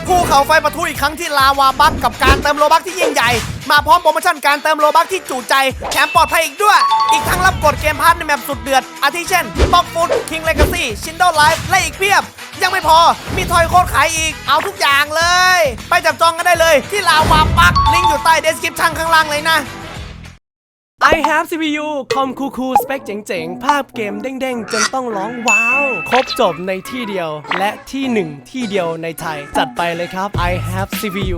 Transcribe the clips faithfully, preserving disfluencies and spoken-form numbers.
ภูเขาไฟปะทุอีกครั้งที่ลาวาบัคกับการเติมโลบัคที่ยิ่งใหญ่มาพร้อมโปรโมชั่นการเติมโลบัคที่จุใจแถมปลอดภัยอีกด้วยอีกทั้งรับกดเกมพาร์ทในแมปสุดเดือดอาทิเช่นบ็อกฟุตคิงเลกาซี่ชินโดไลฟ์และอีกเพียบยังไม่พอมีทอยโค้ดขายอีกเอาทุกอย่างเลยไปจับจองกันได้เลยที่ลาวาบัคลิงก์อยู่ใต้เดสคริปชั่นข้างล่างเลยนะI have ซี พี ยู คอมคูคูสเปคเจ๋งๆ ภาพเกมเด้งๆ จนต้องร้องว้าว ครบจบในที่เดียวและที่หนึ่งที่เดียวในไทย จัดไปเลยครับ I have ซี พี ยู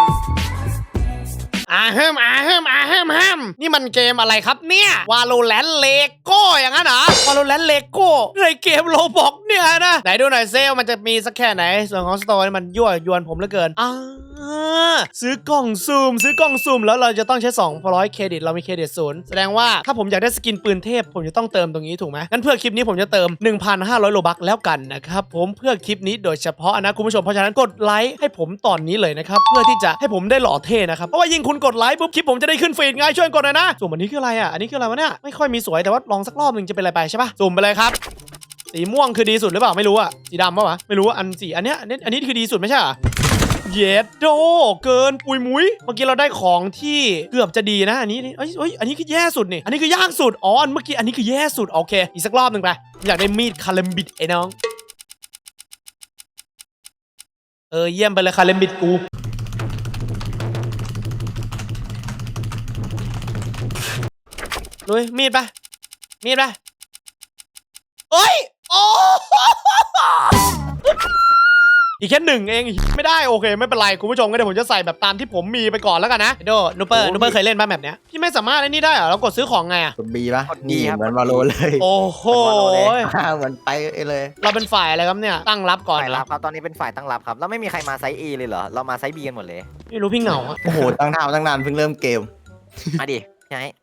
อาเฮิมอาเฮิมอาเฮิมฮัมนี่มันเกมอะไรครับเนี่ยวาโลแรนต์เลโก้อย่างนั้นเหรอวาโลแรนต์เลโก้ในเกมโลบอกเนี่ยนะไหนดูหน่อยเซลมันจะมีสักแค่ไหนส่วนของสโตร์มันยั่วยวนผมเหลือเกินอ่าซื้อกล่องซูมซื้อกล่องซูมแล้วเราจะต้องใช้สองร้อยเครดิตเรามีเครดิตศูนย์แสดงว่าถ้าผมอยากได้สกินปืนเทพผมจะต้องเติมตรงนี้ถูกไหมงั้นเพื่อคลิปนี้ผมจะเติม หนึ่งพันห้าร้อย โลบัคแล้วกันนะครับผมเพื่อคลิปนี้โดยเฉพาะนะคุณผู้ชมเพราะฉะนั้นกดไลค์ให้ผมตอนนี้เลยนะครับเพื่อที่จะให้ผมได้หล่อเท่นะครับเพราะว่ายิ่งคุณกดไลค์ปุ๊บคลิปผมจะได้ขึ้นฟีดไงช่วยกดหน่อยนะสุ่มอันนี้คืออะไรอ่ะอันนี้คืออะไรวะเนี่ยไม่ค่อยมีสวยแต่ว่าลองสักรอบหนึ่งจะเป็นอะไรไปใช่ปะสุ่มไปเลยครับสีม่วงคือดีสุดหรือเปล่าไม่รู้อ่ะสีดำปะวะไม่รู้อันสีอันเนี้ยอันนี้อันนี้คือดีสุดไม่ใช่เหรอเย็ดโดเกินปุยมุ้ยเมื่อกี้เราได้ของที่เกือบจะดีนะอันนี้เอ้ยเอ้ยอันนี้คือแย่สุดนี่อันนี้คือยากสุดอ๋อเมื่อกี้อันนี้คือแย่สุดโอเคอีกสักรอบหนึ่งไปอยากได้มีดคาเลมบิดไอ้น้องเออเยี่ยมไปเลยคาเลมบิดกูลุยมีดไปมีดไปเอ้ยโอ้อีกแค่หนึ่งเองไม่ได้โอเคไม่เป็นไรคุณผู้ชมก็เดี๋ยวผมจะใส่แบบตามที่ผมมีไปก่อนแล้วกันนะโดนูเปอร์นูเปอร์เคยเล่นป่ะแบบเนี้ยพี่ไม่สามารถไอ้นี่ได้เหรอเรากดซื้อของไงอะกดบีป่ะนี่เหมือนวาโลเลยโอ้โหเหมือนไปเลยเราเป็นฝ่ายอะไรครับเนี่ยตั้งรับก่อนฝ่ายรับครับตอนนี้เป็นฝ่ายตั้งรับครับแล้วไม่มีใครมาไซส์ A เลยเหรอเรามาไซส์ B กันหมดเลยไม่รู้พี่เหงาโอ้โหตั้งท่าตั้งนานเพิ่งเริ่มเกมมาดิพี่ไอ้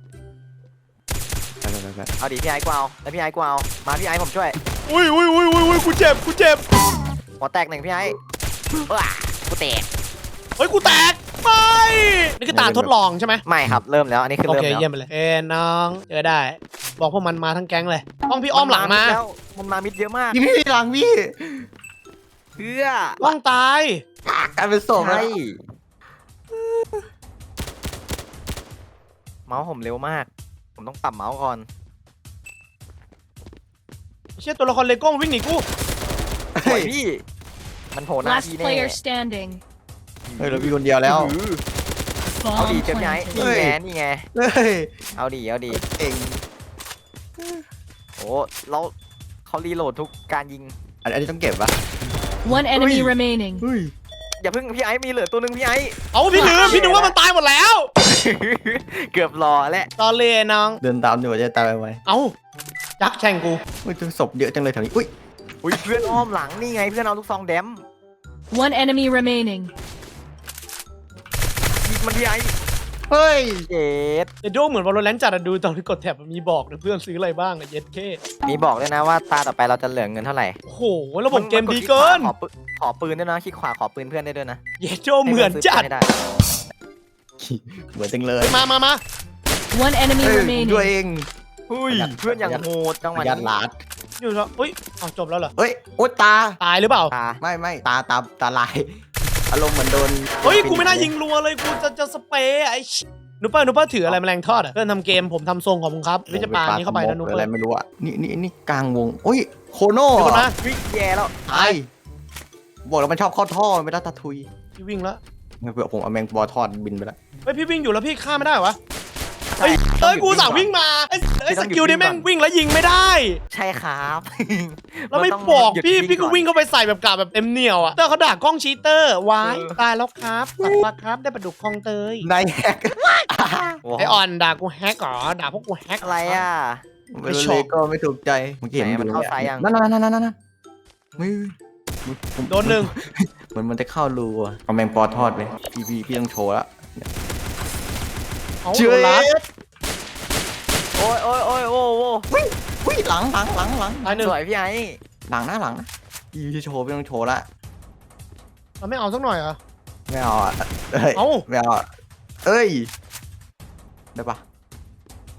เอาดิพี่ไอ้กูเอาแล้วพี่ไอ้กูเอามาพี่ไอ้ผมช่วยอุ้ยอุ้ยอุ้ยอุ้ยกูเจ็บกูเจ็บหัวแตกหนึ่งพี่ไอ้ว้ากูแตกเฮ้ยกูแตกไปนี่คือตาทดลองใช่ไหมไม่ครับเริ่มแล้วอันนี้คือเริ่มแล้วโอเคเยี่ยมไปเลยเอ้น้องเจอได้บอกพวกมันมาทั้งแก๊งเลยต้องพี่อ้อมหลังมามันมามิดเยอะมากพี่หลังพี่เพื่อต้องตายกลายเป็นศพเลยเมาส์ผมเร็วมากผมต้องปรับเมาส์ก่อนเชี่ยตัวละครเลโก้วิ่งหนีกูเฮ้ยพี่มันโผล่หน้าพี่แน่เฮ้ยเราพี่คนเดียวแล้วเอาดีเจ็บไงนี่ไงนี่ไงเอาดีเอาดีเองโอ้เราเขารีโหลดทุกการยิงอันนี้ต้องเก็บปะ One enemy remaining อย่าเพิ่งพี่ไอ้มีเหลือตัวนึงพี่ไอ้เอาพี่ลืมพี่นึกว่ามันตายหมดแล้วเกือบรอแล้วตอนเลยน้องเดินตามอยู่จะตายไปไหมเอ้าจักแข่งกูอุ้ยตัวศพเยอะจังเลยแถวนี้อุ้ยอุ้ยเพื่อนอ้อมหลังนี่ไงเพื่อนเอาลูกซองแดม One enemy remaining มันพี่ไอ้เฮ้ยเย็ดเดโดเหมือนวอลเลนจัดดูตอนที่กดแท็บมีบอกนะเพื่อนซื้ออะไรบ้างอะเย็ดเคมีบอกด้วยนะว่าตาต่อไปเราจะเหลือเงินเท่าไหร่โอ้โหระบบเกมดีเกินขอปืนด้วยนะคลิกขวาขอปืนเพื่อนได้ด้วยนะเยโดเหมือนจัดเหมือนจังเลยมามามา One enemy remaining ด้วยเองอุ้ยเพื่อนอย่างโหดจังหวะนี้ยัดลาดอยู่แล้วอุ้ยเอาจบแล้วเหรอเฮ้ยโอ๊ยตาตายหรือเปล่าตาไม่ไม่ตาตาตาลายอารมณ์เหมือนโดนเฮ้ยกูไม่น่ายิงรัวเลยกูจะจะสเปรย์ไอ้นูเปอร์นูเปอร์ถืออะไรแมลงทอดอ่ะเพื่อนทำเกมผมทำทรงของมึงครับวิจปานี้เข้าไปนะนูเปอร์อะไรไม่รู้อ่ะนี่นี่นี่กลางวงโอ้ยโคโน่นะวิ่งแย่แล้วตายบอกแล้วมันชอบเข้าท่อไม่ได้ตะทุยพี่วิ่งแล้วเผื่อผมเอาแมงบอทอดบินไปแล้วเฮ้ยพี่วิ่งอยู่แล้วพี่ฆ่าไม่ได้เหรอวะเฮ้ยเอ้ยกูสั่งวิ่งมาไอ้สกิลนี่แม่งวิ่งแล้วยิงไม่ได้ใช่ครับแล้วไม่บอกพี่พี่ก็วิ่งเข้าไปใส่แบบกาแบบเต็มเหนียวอ่ะเตอร์เขาด่ากล้องชีเตอร์วายตายแล้วครับสักพักครับได้ปลาดุกคลองเตยนายแฮกไอออนด่ากูแฮกเหรอด่าพวกกูแฮกอะไรอ่ะไม่ชอบก็ไม่ถูกใจเมื่อกี้เห็นมันเข้าซ้ายยังนั่นนั่นนั่นนั่นนั่นไม่โดนหนึ่งเหมือนมันจะเข้ารูอ่ะเอาแมงปอทอดไปพี่พี่พี่ต้องโชว์ละเชื่อรัดโอ้ยโอ้ยโอ้ยโอ้โหวิ่งวิ่งหลังหลังหลังหลังสวยพี่ไอ้หลังนะหลังนะพี่โชว์พี่ต้องโชว์ละมันไม่เอาสักหน่อยเหรอไม่เอาอ่ะเอ้ยไม่เอาเอ้ยได้ปะ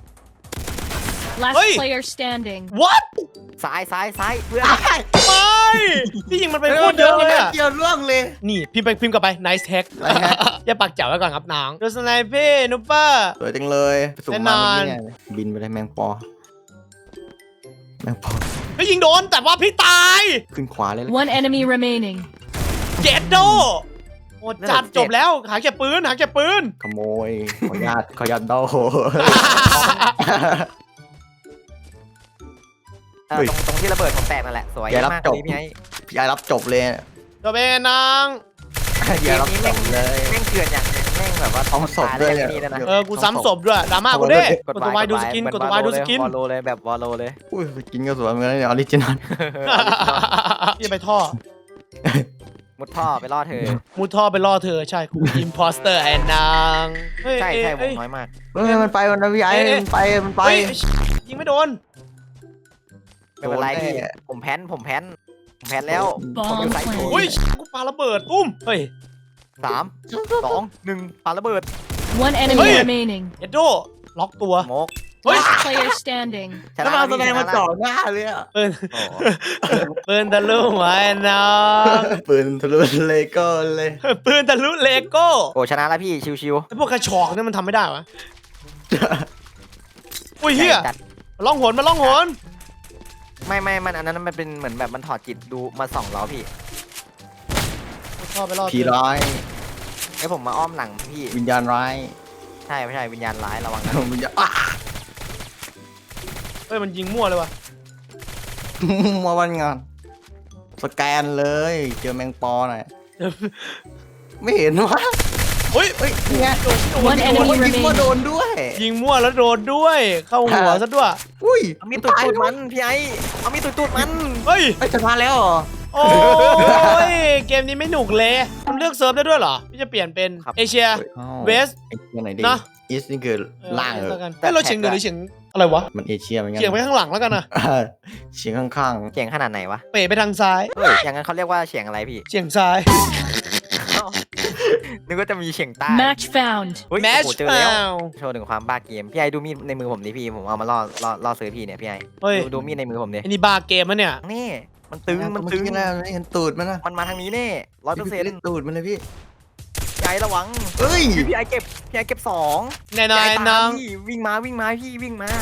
Last player standing What ซ้ายซ้ายซ้ายเพื่อนไม่พี่ยิงมันไปโคตรเยอะเลยอะเกี่ยวร่วงเลยนี่พิมพ์ไปพิมพ์กลับไป nice hack อย่าปากเจ๋วไว้ก่อนครับน้องดูสไนเปอร์นุปเปอร์สวยจังเลยสุ่มแน่นมาอนเมื่อกี้เนี่ยบินไปเลยแมงปอแมงปอพี่ยิงโดนแต่ว่าพี่ตายขึ้นขวาเลยเลย One enemy remaining. เจ็ดโดโอ้จัดจบแล้วหาเก็บปืนหาเก็บปืนขโมยขออนุญาตขออนุญาตโดเออตรงตรงที่ระเบิดผมแตกนั่นแหละสวยอย่ารับมากจบเลยพี่ไอ้พี่ไอ้รับจบเลยจบเองน้องอย่ารับจบเลยแม่งเกลือนอย่างหนึงแม่งแบบว่าเอาศพด้วยตาแรกนี่แล้วนะเออกูซ้ำศพด้วยดราม่ากูเด้กดตัววายดูสกินกดตัววายดูสกินวอลโลเลยแบบวอลโลเลยอุ้ยกินก็สวยเหมือนกันเนี่ยออริจินอลพี่ไปท่อมุดท่อไปล่อเธอมุดท่อไปล่อเธอใช่กูอิมพอสเตอร์ไอ้นางเฮ้ยใช่ใช่วเอ้งยน้อยมากเฮ้ยมันไปมันนะพี่ไอ้เอ๊ะมันไปมันไปเฮ้ยยิงไม่โดนไม่เป็นไรโดนแน่พี่ผมแพ้นผมแพ้นผมแพ้นแล้วผมอยู่ Bomb ไซต์โถ planted. อุ้ยกูปาระเบิดตุ้มเฮ้ยสามสองหนึ่งปาระเบิด One enemy Hey. remaining. เอ็ดโดล็อกตัวโมกเฮ้ย Last player standing. ชนะแล้วมาแสดงมาชนะจ่อหน้าเลยอะปืนโอ้โหปืนทะลุหัวไอ้น้องปืนทะลุเลโก้เลยปืนทะลุเลโก้โอ้ชนะแล้วพี่ชิวไอ้พวกกระชอกเนี่ยมันทำไม่ได้วะอุ้ยๆเฮียจัดมาล่องหนมาล่องหนไม่ไม่มันอันนั้นมันเป็นเหมือนแบบมันถอดจิตดูมาส่องเราพี่ชอบไปล่อผีร้ายไอ้ผมมาอ้อมหลังพี่วิญญาณร้ายใช่ไม่ใช่วิญญาณร้ายระวังนะวิญญาณอ่ะเฮ้ยมันยิงมั่วเลยวะมาวันงานสแกนเลยเจอแมงปอหน่อยไม่เห็นวะเฮ้ยเฮ้ยนี่ไง One โดน enemy ยิงว่า remaining. โดนด้วยยิงมั่วแล้วโดนด้วย เข้าหัวซะด้วยอุ้ยเอามีดตุดตูดมันพี่ไอ้เอามีดตุดตูดมันเฮ้ยไอ้ยชนะแล้วเหรอโอ้ยเกมนี้ไม่หนุกเลยมันเลือกเซิร์ฟได้ด้วยเหรอพี่จะเปลี่ยนเป็นเอเชีย เวสไอ้ยังไงดีนะอีสนี่คือล่างเหรแล้อวกันเฮ้ยเราเฉียงเหนือหรือเฉียงอะไรวะมันเอเชียเหมือนกันเฉียงไปข้างหลังแล้วกันนะเออเฉียงข้างเฉียงขนาดไหนวะเป๋ไปทางซ้ายเฮ้ยอย่างนั้นเขาเรียกว่าเฉียงอะไรพี่เฉียงซ้ายเอ้านึกว่าจะมีเฉียงใต้ Match found. เฮ้ยแมโอ้ชโหเจอเปแล้วล่าโชว์ถึงความบ้าเกมพี่ไอ้ดูมีดในมือผมดิพี่ผมเอามาล่อล่อล่อซื้อพี่เนี่ยพี่ไอ้เฮ้ยดูดูมีดในมือผมดิอันนี้บาร์เกมมะเนี่ยนี่มันๆตึงมันตึงเอกี้แล้วเห็นตูดมันนะมันมาทางนี้แน่ร้อยเปอร์เซ็นต์พี่ตูดมันเลยพี่พี่ไอ้ระวังเฮ้ยพี่พี่ไอ้เก็บพี่ไอ้เก็บสองแน่พี่นอนไอ้ตาน้องมพี่วิ่งมาวิ่งมาพี่วิ่งมา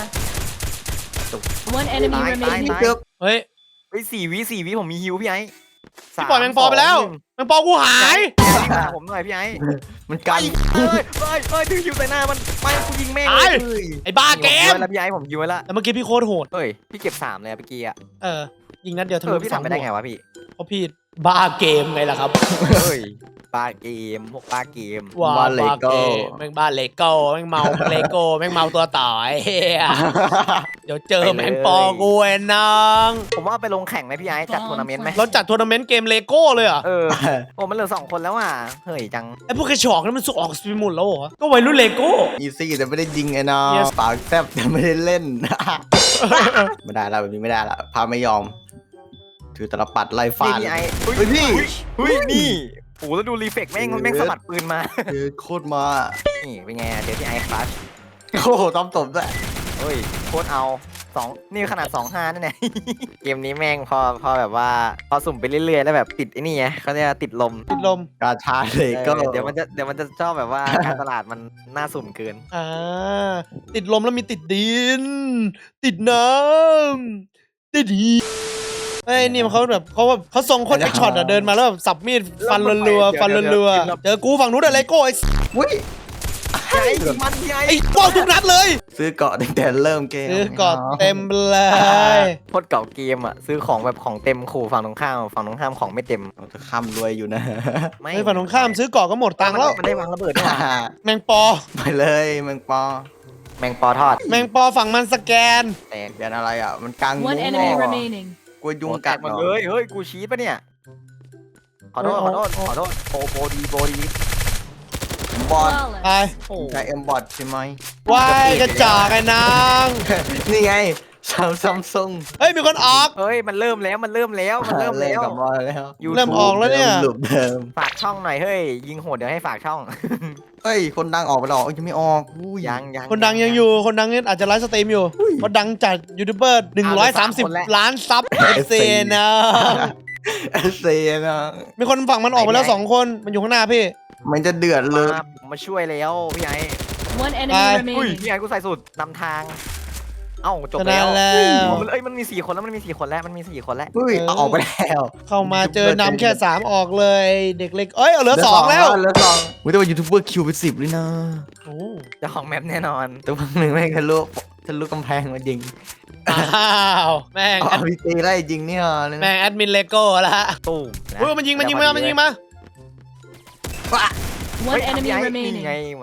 One enemy Bye, bye, remaining. bye. เกือบเฮ้ยเฮ้ยสี่วิสี่วิผมมีฮิวพี่ไอ้พี่ปล่อยแมงปอไปแล้วแมงปอกูหายวิ่งมาผมหน่อยพี่ไอ้มันไกกัลนเอ้ยเอ้ยเอ้ยดึงฮิวใส่หน้ามันไปกูยิงแม่งตายเลยไอ้บ้าเกผมมยิงไว้แล้วพี่ไอ้ผมยิงไว้แล้วแต่เมื่อกี้พี่โคตรโหดเฮ้ยพี่เก็บสามเลยอะเมื่อกี้อะเออ ยิงนัดเดียวทะเอลุอพี่ทำไปได้ไงวะพี่เพราะพี่บ้าเกมไงล่ะครับเฮ้ยปลาเกมพวกปลาเกมว้าบ้าเกมแม่งบ้าเลโก้แม่งเมาเลโก้แม่งเมาตัวต่อยเฮียเดี๋ยวเจอแมงปอกูไอ้น้องผมว่าไปลงแข่งไหมพี่ไอ้จัดทัวร์นาเมนต์ไหมเราจัดทัวร์นาเมนต์เกมเลโก้เลยเหรอเออโอ้มันเหลือสองคนแล้วอ่ะเฮ้ยจังไอ้พวกกระชอกนั่นมันสุกออกสปิมุนแล้วเหรอก็วัยรุ่นเลโก้อีซี่แต่ไม่ได้ยิงไอ้น้อง Yes ปากแซบแต่ไม่ได้เล่น ไม่ได้แล้วแบบนี้ไม่ได้ละพาไม่ยอม ถือตะปัดไล่ฟานี่ดพี่ไอ้เฮ้ยพี่เฮ้ยนี่โอ้โหแล้วดูรีเฟกแม่งมันแม่งสะบัดปืนมาเจอโคตรมานี่เป็นไงอะเดี๋ยวพี่ไอ้คลาสโอ้โหต้อมตบด้วยเฮ้ยโคตรเอาสองนี่ขนาดสองห้านั่นแหละ เกมนี้แม่งพอพอแบบว่าพอสุ่มไปเรื่อยๆแล้วแบบติดไอ้นี่ไงเขาเรียกว่าติดลมติดลมกาชาเลยเออก็เดี๋ยวมันจะเดี๋ยวมันจะชอบแบบว่า การตลาดมันน่าสุ่มเกินอ่าติดลมแล้วมีติดดิน ติดน้ำติดหีเฮ้ยนี่มันเขาแบบเขาแบบเขาทรงโคนแอคช็อตอะเดินมาแล้วแบบสับมีดฟันรัวๆฟันรัวๆเจอกูฝั่งนู้นอะเลโก้ไอ้อุ้ยไอ้มันพี่ไอ้ไอ้ป้องทุกนัดเลยซื้อเกาะตั้งแต่เริ่มเกมซื้อกอดเต็มเลยโคตรเก่าเกมอ่ะซื้อของแบบของเต็มขู่ฝั่งตรงข้ามฝั่งตรงข้ามของไม่เต็มเราจะข้ามรวยอยู่นะไม่ไอ้ฝั่งตรงข้ามซื้อกอดก็หมดตังค์แล้วมันได้วางระเบิดด้วยว่ะแมงปอไปเลยแมงปอแมงปอทอดแมงปอฝั่งมันสแกนแตกเปลี่ยนอะไรอ่ะ มันกลาง One มุ้ง enemy เหรอ remaining. กลัวยุงแตกัดกหมดเหรเลอยเฮ้ยกูชี้ปะเนี่ยขอโทษขอโทษขอโทษโปโปดีโปดีบอด Flawless. ไปโอ้ใช้เอ็มบอดใช่ไหมวายกระจอกไอ้นางนี่ไงซัมซัมซุงเฮ้ยมีคนออกเฮ้ยมันเริ่มแล้วมันเริ่มแล้วมันเริ่มแล้วกลับมาแล้ว YouTube เริ่มออกแล้วเนี่ยหลุมเดิมฝากช่องหน่อยเฮ้ยยิงโหดเดี๋ยวให้ฝากช่องเฮ้ย คนดังออกไปหรอเอ้ยยังไม่ออกอุ้ยยังยังคนดังยังอยู่คนดังนี่อาจจะไลฟ์สตรีมอยู่อุ้ยคนดังจัดยูทูบเบอร์หนึ่งร้อยสามสิบล้านซับเอฟซีนะเอเซียนะมีคนฝั่งมันออกไปแล้วสองคนมันอยู่ข้างหน้าพี่มันจะเดือดเลยมาผมมาช่วยแล้วพี่ไอ้ One enemy Bye. อุ้ย remaining. พี่ไอ้กูใส่สุดนำทาง เอ้าจบชนะแล้วแล้วอ๋อมันเอ้ยมันมีสี่คนแล้วมันมีสี่คนแล้วมันมีสี่คนแล้วอุ้ยเออเอาออกไปแล้วเข้ามาเจอนำแค่สามออกเลยเด็กเล็กเอ้ยเอาเหลือสองแล้วเหลือสองอุ้ยแต่ว่ายูทูบเบอร์คิวไปสิบเลยนะโอ้เจ้าของแมปแน่นอนแต่วันหนึ่งแม่งทะลุทะลุกำแพงมายิงอ้าวแม่งอ๋อพี่ตีได้จริงเนี่ยเลยแม่งแอดมินเลโก้ละตู้มนะเฮ้ยมันยิงมันยิงมามันยิงมาเฮ้ One ย enemy พี่ไอ้ remaining. นี่ไงมัน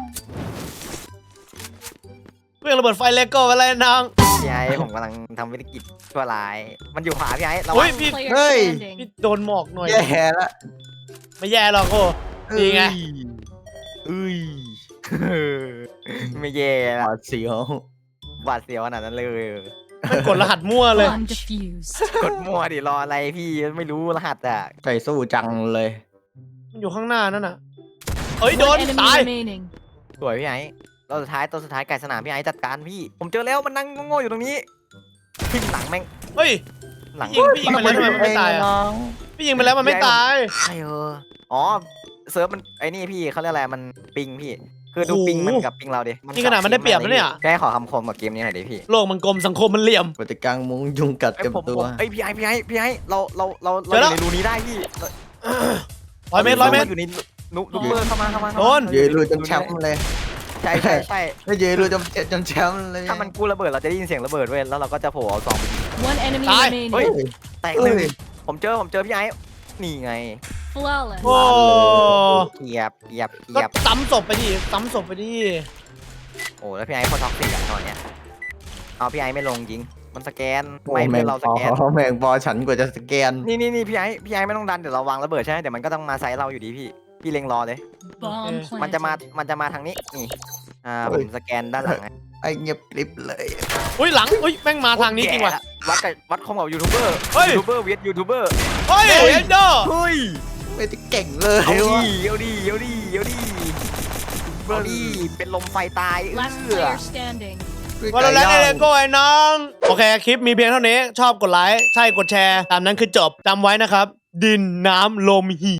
เรื่องระเบิดไฟเลโก้ไปเลยน้องพี่ไอ้ผมกำลังทำวิธีกิจชั่วร้าย มันอยู่ขวาพี่ไอ้ระเฮ้วัยงพี่ Player Hey. standing. พี่โดนหมอกหน่อยแย่ละไม่แย่หรอกโอ้ นี่ไงอุ้ย ไม่แย่หละวาดเสียวหวาดเสียวขนาดนั้นเลยมันกดรหัสมั่วเลย Bomb defused. กดมั่วดิรออะไรพี่ไม่รู้รหัสอ่ะใจสู้จังเลยมันอยู่ข้างหน้านั่นน่ะเอ้ยโดน One enemy ตาย remaining. สวยพี่ไอ้ตัวสุดท้ายตัวสุดท้ายไก่สนามพี่ไอ้จัดการพี่ ผมเจอแล้วมันนั่งโง่ๆอยู่ตรงนี้ทิ่มหลังแม่งเฮ้ยหลังยิงพี่ยิงไปแล้วทำไมมันไม่ตายอ่ะน้องพี่ยิงไปแล้วมันไม่ตายใช่เอออ๋อเซิร์ฟมันไอ้นี่พี่เขาเรียกอะไรมันปิงพี่ คือดูโอ้โหปิงมันกับปิงเราดินี่ขนาดมันได้เปรียบนะเนี่ยแค่ขอคำคมกับเกมนี้หน่อยดิพี่โลกมันกลมสังคมมันเหลี่ยมปฏิกลางมุงยุงกัดไอ้เต็มผมตัวผมไอ้ยพี่ไอ้พี่ไอ้พี่ไอ้เราเราเราเจเราออแล้วยู่ในรูนี้ได้พี่ร้อยเมตรร้อยเมตรอยู่ในนุนุเบอร์เข้ามาเข้ามาโดนยืนรูจนแชมป์เลยใช่ใช่ใช่ไม่ยืนรูจนจนแชมป์เลยถ้ามันกู้ระเบิดเราจะได้ยินเสียงระเบิดเว้ยแล้วเราก็จะโผล่เอาซองไปยิง One enemy Bye. remaining. เฮ้ยเฮ้ยแตกเฮ้หนึ่งยผมเจอผมเจอพี่ไอ้นี่ไง Flawless. โอ้เกียบเกียบก็เกียบซ้ำศพไปดิซ้ำศพไปดิโอ้แล้วพี่ไอ้คนท็อกซิกอะตอนเนี้ยเอาพี่ไอ้ไม่ลงยิงมันสแกนโอ้ไม่แมเพื่อง นเราสปอแกนแมงปอฉันกว่าจะสแกนนี่นี่นี่พี่ไอ้พี่ไอ้ไม่ต้องดันเดี๋ยวเราวางระเบิดใช่ไหมเดี๋ยวมันก็ต้องมาไซส์เราอยู่ดีพี่พี่เล็งรอเลย Bomb มันจะมา planted. มันจะมาทางนี้นี่อ่าเฮ้ผยมสแกนด้านหลังให้ไอ้เงียบกริบเลยอุ้ยหลังอุ้ยแม่งมาทางนี้จริงว่ะแก่ละวัดกับวัดคอมกับยูทูบเบอร์เฮ้ยยูทูบเบอร์เวียดยูทูบเบอร์เฮ้ยเอ็นโดเฮ้ยไม่ได้เก่งเลยเอาวะดิเอาดิเอาดิเอาดิเอาดิเป็นลมไฟตาย Last เอื้อ player standing. วอลเลนเลโก้ไอ้น้อง โอเค คลิปมีเพียงเท่านี้ ชอบกดไลค์ ใช่กดแชร์ ตามนั้นคือจบจำไว้นะครับ ดินน้ำลมหี